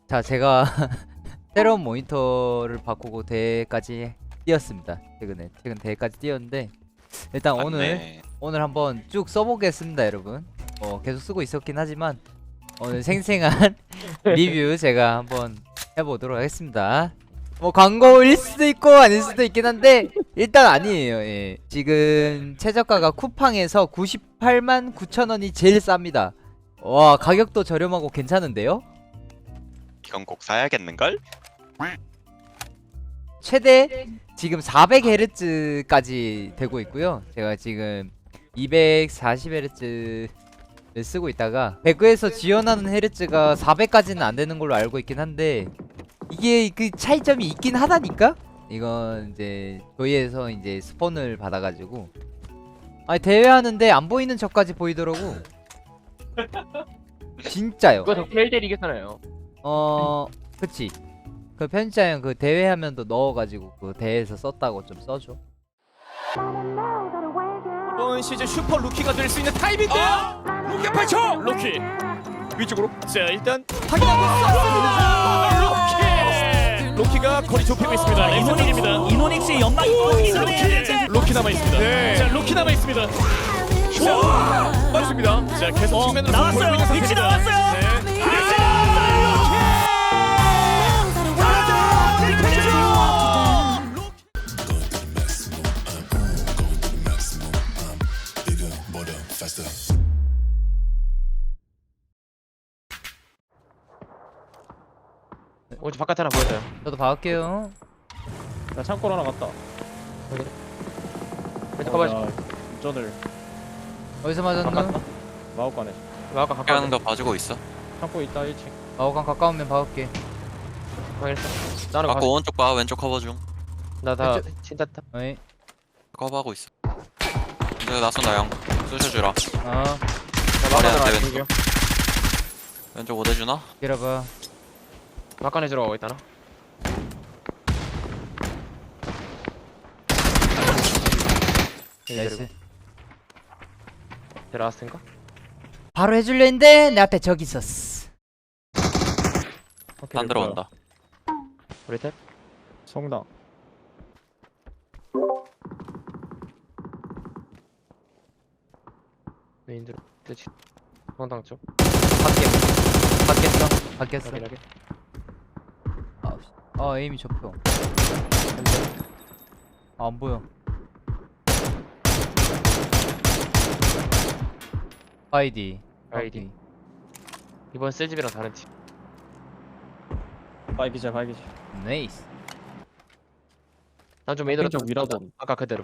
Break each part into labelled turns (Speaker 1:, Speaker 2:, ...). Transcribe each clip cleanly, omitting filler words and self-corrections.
Speaker 1: 자, 제가 새로운 모니터를 바꾸고 대회까지 뛰었습니다. 최근 대회까지 뛰었는데 일단 오늘 한번 쭉 써보겠습니다, 여러분. 계속 쓰고 있었긴 하지만 오늘 생생한 리뷰 제가 한번 해보도록 하겠습니다. 뭐 광고일 수도 있고 아닐 수도 있긴 한데 일단 아니에요. 예. 지금 최저가가 쿠팡에서 989,000원이 제일 쌉니다. 와, 가격도 저렴하고 괜찮은데요?
Speaker 2: 이건 꼭 사야겠는걸?
Speaker 1: 최대 지금 400Hz까지 되고 있고요. 제가 지금 240Hz를 쓰고 있다가 배그에서 지원하는 헤르츠가 400까지는 안 되는 걸로 알고 있긴 한데 이게 그 차이점이 있긴 하다니까? 이건 이제 저희에서 이제 스폰을 받아가지고 아니 대회하는데 안 보이는 적까지 보이더라고. 진짜요.
Speaker 3: 그거 더 펠델 이겼잖아요.
Speaker 1: 그치. 그 편집자형 그 대회하면도 넣어가지고 그 대회에서 썼다고 좀 써줘.
Speaker 4: 이번 시즌 슈퍼 루키가 될 수 있는 타입인데요. 루키 8초. 루키 위쪽으로. 자, 일단 확인하고 쐈습니다. 루키가 거리 좁히고 있습니다. 이노닉입니다.
Speaker 5: 이노닉스의 연막이
Speaker 4: 루키 남아 있습니다. 자, 루키 남아 있습니다. 자, 맞습니다. 자, 계속 측면으로
Speaker 5: 나왔어요.
Speaker 4: 보이고 있는
Speaker 5: 위치
Speaker 4: 상태입니다.
Speaker 5: 나왔어요.
Speaker 4: 네.
Speaker 5: 위치 나왔어요.
Speaker 3: 오늘 바깥 하나 보여줘요.
Speaker 1: 저도 봐올게요.
Speaker 6: 나 창고로 하나 갔다.
Speaker 3: 왼쪽 가봐야지.
Speaker 6: 운전을
Speaker 1: 어디서 맞았노?
Speaker 6: 마법관에.
Speaker 3: 아까
Speaker 2: 하는
Speaker 3: 가까운데.
Speaker 2: 거 봐주고 있어.
Speaker 6: 창고 있다 1층.
Speaker 1: 마오간 가까우면 봐올게.
Speaker 3: 확인했어. 나는
Speaker 2: 아까 오른쪽 봐. 왼쪽 커버 중.
Speaker 3: 나다 친다다.
Speaker 1: 어이.
Speaker 2: 커버하고 있어. 내가 나쏜다 형. 쑤셔주라.
Speaker 1: 나
Speaker 2: 머리 안
Speaker 3: 막간에
Speaker 2: 돼,
Speaker 3: 들어가.
Speaker 2: 왼쪽 못 해주나?
Speaker 1: 기다려봐.
Speaker 3: 막간에 들어가고 있다나.
Speaker 1: 나이스.
Speaker 3: 들어왔을까?
Speaker 1: 바로 해줄려 했는데 내 앞에 저기 있었어.
Speaker 2: 안 들어온다.
Speaker 3: 우리 탭.
Speaker 6: 성당.
Speaker 3: 메인 들어. 그렇지. 성당 쪽.
Speaker 1: 바뀌었어.
Speaker 3: 확인하게.
Speaker 1: 에임이 접혀. 안 보여. 아이디.
Speaker 3: 이번 셀집이랑 다른 팀.
Speaker 6: 바이기자 바이기자.
Speaker 1: 네이스.
Speaker 3: 난 좀 메인으로
Speaker 6: 쪽 위라도.
Speaker 3: 아까 그대로.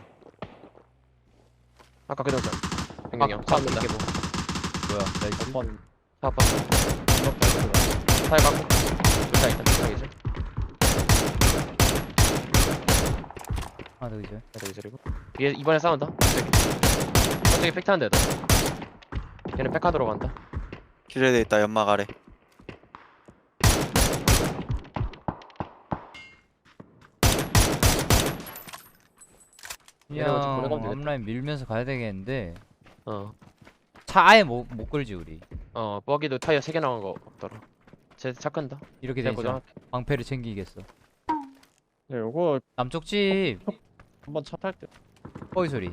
Speaker 3: 아까 그대로. 백명이 형. 차 없는다.
Speaker 1: 뭐야? 나이스.
Speaker 6: 한번
Speaker 3: 차 아빠. 차에 갖고. 차 있다. 차이죠.
Speaker 1: 하나 더 이제.
Speaker 3: 그래도 이제리고. 얘 이번에 싸운다. 저기 팩트한 데다. 얘는 백카드로 간다.
Speaker 2: 기절돼 있다. 연막 아래.
Speaker 1: 그냥
Speaker 3: 얘네가 좀 보내가면 되겠다.
Speaker 1: 앞라인 밀면서 가야 되겠는데
Speaker 3: 차
Speaker 1: 차 아예 못 끌지 우리.
Speaker 3: 버기도 타이어 3개 나온 거 없더라. 쟤차 큰다.
Speaker 1: 이렇게
Speaker 3: 쟤
Speaker 1: 되니까
Speaker 3: 고정할게.
Speaker 1: 방패를 챙기겠어.
Speaker 6: 네, 요거
Speaker 1: 남쪽 집
Speaker 6: 한번 차 탈게.
Speaker 1: 뽀이 소리.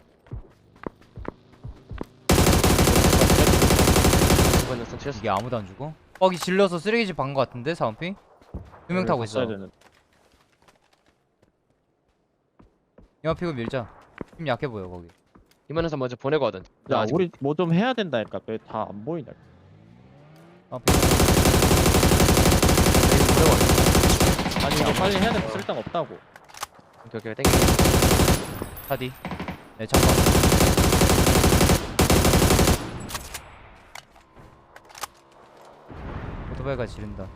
Speaker 3: 이번에 선 치였어.
Speaker 1: 이게 아무도 안 죽어? 뻐기 질러서 쓰레기집 간 거 같은데 사원핑? 2명 타고 있어. 영화픽을 밀자. 힘 약해 보여 거기.
Speaker 3: 이번에서 먼저 보내고 하던.
Speaker 6: 야, 우리 뭐 좀 해야 된다니까. 왜 다 안 보이냐? 아니 이거 빨리 해야 돼. 쓸데가 없다고.
Speaker 3: 오케이 땡겨.
Speaker 1: 차디. 네 잠깐. 오토바이가 지른다.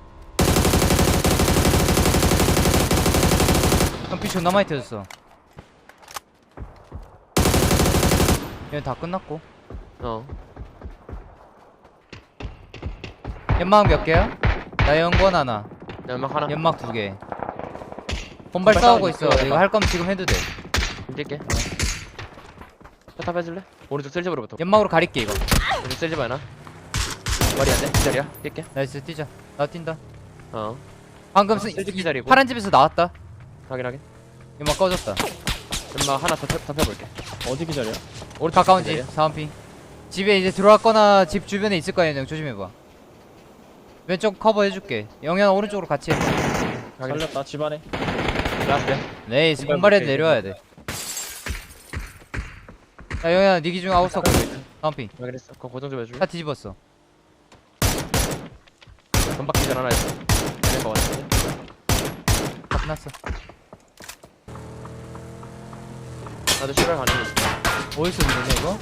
Speaker 1: 형 피치 존나 많이 터졌어. 얘는 다 끝났고. 연막 몇 개야? 나 연권 하나.
Speaker 3: 연막 하나.
Speaker 1: 연막 2개. 본발 싸우고 있어. 이거 할 거면 지금 해도 돼.
Speaker 3: 뛸게. 탑 해줄래? 오른쪽 셀집으로부터.
Speaker 1: 연막으로 가릴게 이거.
Speaker 3: 오른쪽 셀집 하나. 머리 안 돼? 기다려. 뛸게.
Speaker 1: 나이스 뛰자. 나 뛴다.
Speaker 3: 어
Speaker 1: 방금
Speaker 3: 쓸지 기다리고.
Speaker 1: 파란 집에서 나왔다.
Speaker 3: 확인하게.
Speaker 1: 연막 꺼졌다.
Speaker 3: 연막 하나 더 펴볼게.
Speaker 6: 어디 기다려?
Speaker 1: 오른 가까운 집
Speaker 3: 기다려.
Speaker 1: 사원핑. 집에 이제 들어왔거나 집 주변에 있을 거야. 형 조심해봐. 왼쪽 커버 해줄게. 영현 오른쪽으로 같이 해.
Speaker 3: 확인.
Speaker 6: 살렸다 집안에.
Speaker 3: 라스트.
Speaker 1: 네이스
Speaker 3: 공발
Speaker 1: 공발에
Speaker 3: 볼게,
Speaker 1: 내려와야 돼. 야 영현아 니 기준 아웃사고 사원핑.
Speaker 3: 확인했어. 그거 고정 좀 해줄래?
Speaker 1: 다 뒤집었어.
Speaker 3: 전박 기절 하나 했어. 되는 거 같은데.
Speaker 1: 다 끝났어.
Speaker 3: 나도 출발 가능해.
Speaker 1: 어디서 들리냐 이거?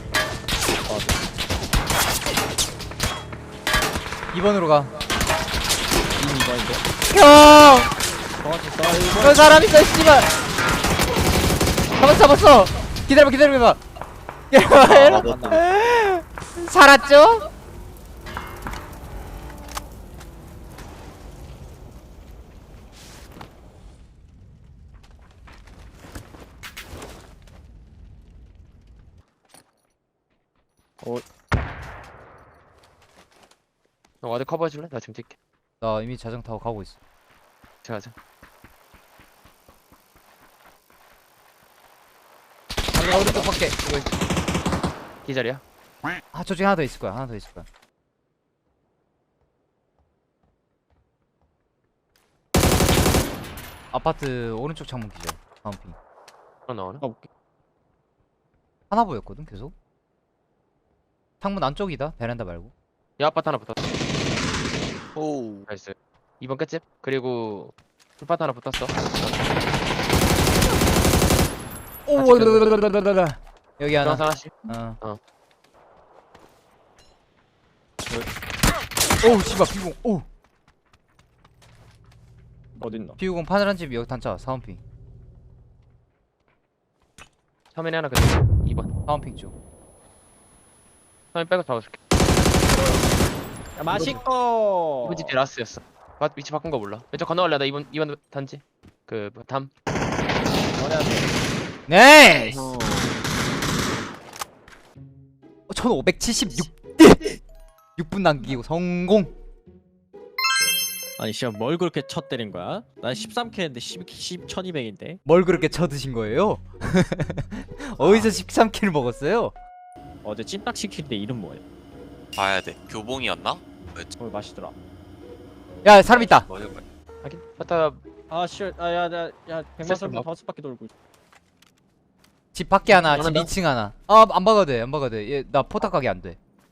Speaker 1: 2번으로 가.
Speaker 6: 2번인데.
Speaker 1: 형!
Speaker 6: 정확했어.
Speaker 1: 저 사람 있어 씨발. 잡았어. 기다려봐.
Speaker 6: 맞나?
Speaker 1: 살았죠?
Speaker 3: 너 와드 커버해줄래? 나 지금 뛸게.
Speaker 1: 나 이미 자전 타고 가고 있어.
Speaker 3: 가자.
Speaker 1: 오른쪽 밖에.
Speaker 3: 기절이야?
Speaker 1: 아 저쪽에 하나 더 있을 거야. 아파트 오른쪽 창문 기절. 다음 핑.
Speaker 3: 그럼 나오나?
Speaker 6: 가볼게.
Speaker 1: 하나 보였거든 계속. 창문 안쪽이다. 베란다 말고.
Speaker 3: 야 아파트 하나 붙었어.
Speaker 2: 오.
Speaker 3: 나이스. 2번 끝집. 그리고 풀파트 하나 붙었어.
Speaker 1: 오, 여기 하나.
Speaker 3: 중앙 하나씩.
Speaker 1: 어.
Speaker 3: 어.
Speaker 1: 오우 씨발 비공. 오.
Speaker 6: 어딨나?
Speaker 1: 비공 파란 집 여기 단차. 사원핑.
Speaker 3: 화면에 하나 그대 2번.
Speaker 1: 사원핑 쪽.
Speaker 3: 화면 빼고 잡아줄게.
Speaker 6: 야, 맛있고.
Speaker 3: 2번 집 뒤 라스였어. 위치 바꾼 거 몰라. 왼쪽 건너갈래. 나 2번 단지. 그 담.
Speaker 6: 뭐냐?
Speaker 1: 네이스.
Speaker 6: 어.
Speaker 1: 1576. 6분 남기고 성공.
Speaker 6: 아니 씨발 뭘 그렇게 쳐 때린 거야? 난 13K 했는데 1200인데.
Speaker 1: 뭘 그렇게 쳐드신 거예요? 어디서 13킬을 먹었어요?
Speaker 6: 어제 찜닭 시킬 때 이름 뭐예요?
Speaker 2: 봐야 돼. 교봉이었나?
Speaker 6: 맛있더라.
Speaker 1: 야 사람 있다.
Speaker 2: 뭐야?
Speaker 3: 하긴. 파타
Speaker 6: 아 씨, 아야야 백만
Speaker 3: 세트 뭐?
Speaker 6: 다섯 바퀴 돌고 있어.
Speaker 1: 집 밖에 하나, 집
Speaker 3: 하나 더?
Speaker 1: 2층 하나. 안 박아도 돼. 얘나 포탑 가게 안 돼.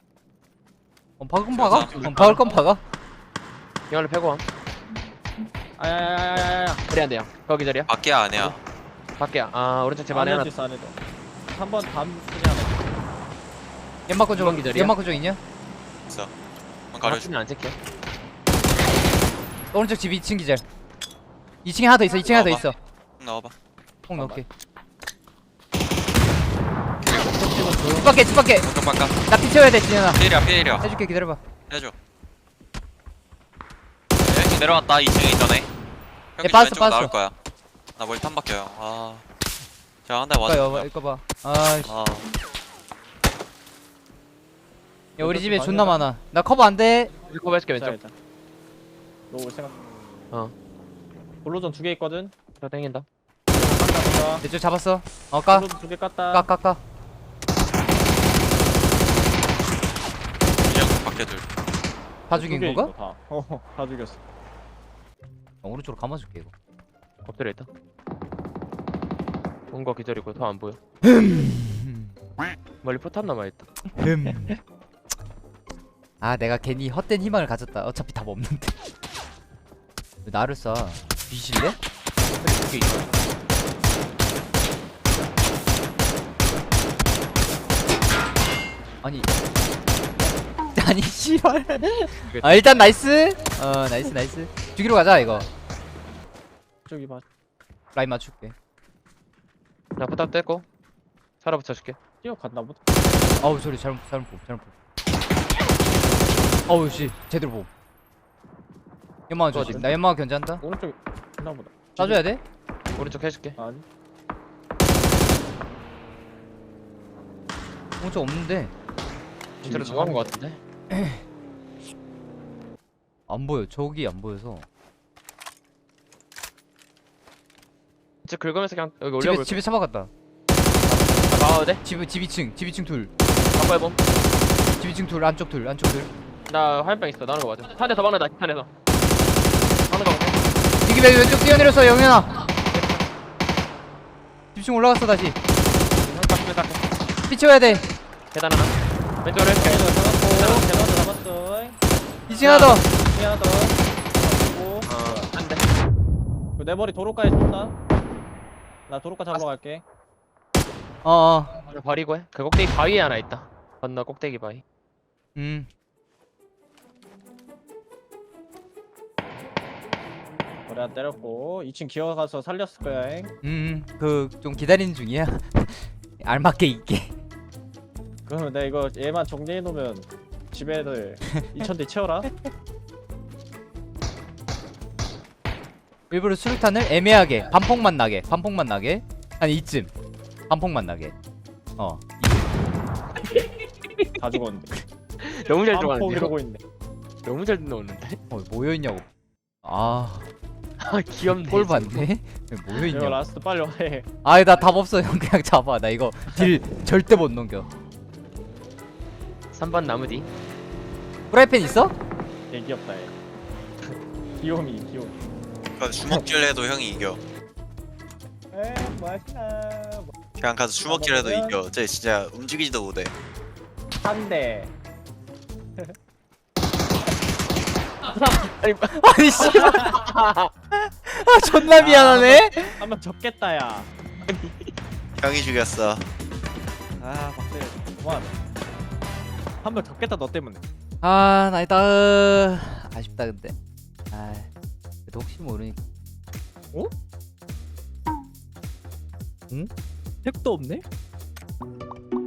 Speaker 1: 박은 박아? 박을 건 박아?
Speaker 3: 영화를 패고 함.
Speaker 6: 아야야야야야.
Speaker 3: 그래 안 돼요. 거기 자리야.
Speaker 2: 밖에 아니야.
Speaker 3: 밖에야. 아 오른쪽 집 안에 하나.
Speaker 6: 있어 안에도. 한번 담 그냥.
Speaker 1: 연막권 쪽,
Speaker 3: 이번 기절이야?
Speaker 1: 연막권 쪽 있냐?
Speaker 2: 있어. 한번 가려줘.
Speaker 3: 안 찍혀.
Speaker 1: 오른쪽 집 2층 기절. 2층에 하나 더 있어. 2층에 하나 더 있어.
Speaker 2: 나와봐.
Speaker 1: 꼭 넣을게. 집 밖에.
Speaker 2: 왼쪽 바깥.
Speaker 1: 나 피 채워야 돼, 진현아.
Speaker 2: 피해려.
Speaker 1: 해줄게, 기다려봐.
Speaker 2: 해줘. 1층 내려왔다. 2층에 있더네. 형님
Speaker 1: 빠졌어,
Speaker 2: 왼쪽으로 나올
Speaker 1: 빠졌어.
Speaker 2: 거야. 나 머리 탐 박혀요. 아. 제가 한 대
Speaker 1: 이거
Speaker 2: 맞았어.
Speaker 1: 이거 봐. 아이씨.
Speaker 2: 아.
Speaker 1: 야, 우리 집에 존나 많아. 나 커버 안 돼.
Speaker 3: 커버 해줄게 왼쪽.
Speaker 6: 일단. 너올 생각.
Speaker 3: 어.
Speaker 6: 볼로전 2개 있거든.
Speaker 3: 저 땡긴다.
Speaker 6: 깠다.
Speaker 1: 내쪽 잡았어. 까.
Speaker 6: 볼로전 2개 깠다.
Speaker 1: 까.
Speaker 2: 그냥 밖에 둘.
Speaker 1: 다 죽인
Speaker 6: 두 개
Speaker 1: 건가?
Speaker 6: 있어, 다. 다 죽였어.
Speaker 1: 오른쪽으로 감아줄게, 이거.
Speaker 3: 엎드려 있다. 본거 기다리고 더 안 보여. 멀리 포탑 남아 있다.
Speaker 1: 아, 내가 괜히 헛된 희망을 가졌다. 어차피 답 없는데. 왜 나를 쏴? 뒤질래?
Speaker 3: 두개 있어.
Speaker 1: 아니 씨발. 아 일단 나이스. 나이스. 죽이러 가자 이거.
Speaker 6: 저기 봐.
Speaker 1: 라인 맞출게.
Speaker 3: 나 포탑 떼고 살아 붙여줄게.
Speaker 6: 뛰어갔나 보다.
Speaker 1: 어우 소리 잘못 보. 어우 씨 제대로 보. 연막 조심.
Speaker 3: 어디?
Speaker 1: 나 연막 견제한다.
Speaker 6: 오른쪽 있나 보다.
Speaker 1: 쏴줘야 돼?
Speaker 3: 오른쪽 해줄게.
Speaker 6: 아니.
Speaker 1: 오른쪽 없는데.
Speaker 3: 진짜로 정한 거 같은데.
Speaker 1: 안 보여. 저기 안 보여서.
Speaker 3: 저 긁으면서 그냥 여기
Speaker 1: 집에
Speaker 3: 올려볼게.
Speaker 1: 집에 차 박았다.
Speaker 3: 나가도 돼?
Speaker 1: 집 2층 둘.
Speaker 3: 바꿔 해봄.
Speaker 1: 집 2층 둘 안쪽 둘.
Speaker 3: 나 화염병 있어. 나는 거 맞아. 한 대 더 박는다. 탄에서. 하는 거 볼게.
Speaker 1: 이기 왼쪽 뛰어내렸어 영현아. 집중 올라갔어 다시. 피 채워야 돼.
Speaker 3: 계단 하나. 왼쪽으로
Speaker 6: 계단
Speaker 3: 이렇게.
Speaker 6: 잡았고 계단도 잡았어.
Speaker 1: 2층 하나 더.
Speaker 6: 이 하나 더. 잡고.
Speaker 3: 한 대.
Speaker 6: 내 머리 도로가에 쏜다. 나 도로가 잡으러 갈게.
Speaker 1: 어어.
Speaker 3: 버리고 해. 그 꼭대기 바위에 하나 있다. 건너 꼭대기 바위.
Speaker 6: 머리 안 때렸고 2층 기어가서 살렸을 거야.
Speaker 1: 그 좀 기다리는 중이야. 알맞게 있게.
Speaker 6: 그러면 내가 이거 얘만 정리해 놓으면 집에 애들 2,000대 채워라.
Speaker 1: 일부러 수류탄을 애매하게 반폭만 나게 아니 이쯤 반폭만 나게.
Speaker 6: 다 죽었는데.
Speaker 3: 너무 잘
Speaker 6: 빰폭
Speaker 3: 들어가는데.
Speaker 6: 이러고 있네.
Speaker 3: 너무 잘 넣었는데.
Speaker 1: 뭐였냐고. 아,
Speaker 3: 아 귀엽네.
Speaker 1: 꼴 봤네.
Speaker 6: 이거
Speaker 1: 뭐였냐.
Speaker 6: 라스트 빨리 해.
Speaker 1: 아이 나 답 없어 형 그냥 잡아. 나 이거 딜 절대 못 넘겨.
Speaker 3: 3번 나무 뒤.
Speaker 1: 프라이팬 있어?
Speaker 6: 얘 귀엽다 얘. 귀요미.
Speaker 2: 그러니까 주먹질 해도 형이 이겨.
Speaker 6: 에 맛있나.
Speaker 2: 그냥 가서 주먹질 해도 이겨. 쟤 진짜 움직이지도 못해.
Speaker 6: 한 대.
Speaker 1: 아니 씨. 아 존나 미안하네.
Speaker 6: 한번 접겠다 야.
Speaker 2: 형이 죽였어.
Speaker 6: 아 박대. 그만하자. 한번 접겠다 너 때문에.
Speaker 1: 아 나이다. 아쉽다 근데. 아 그래도 혹시 모르니까.
Speaker 6: 택도 없네?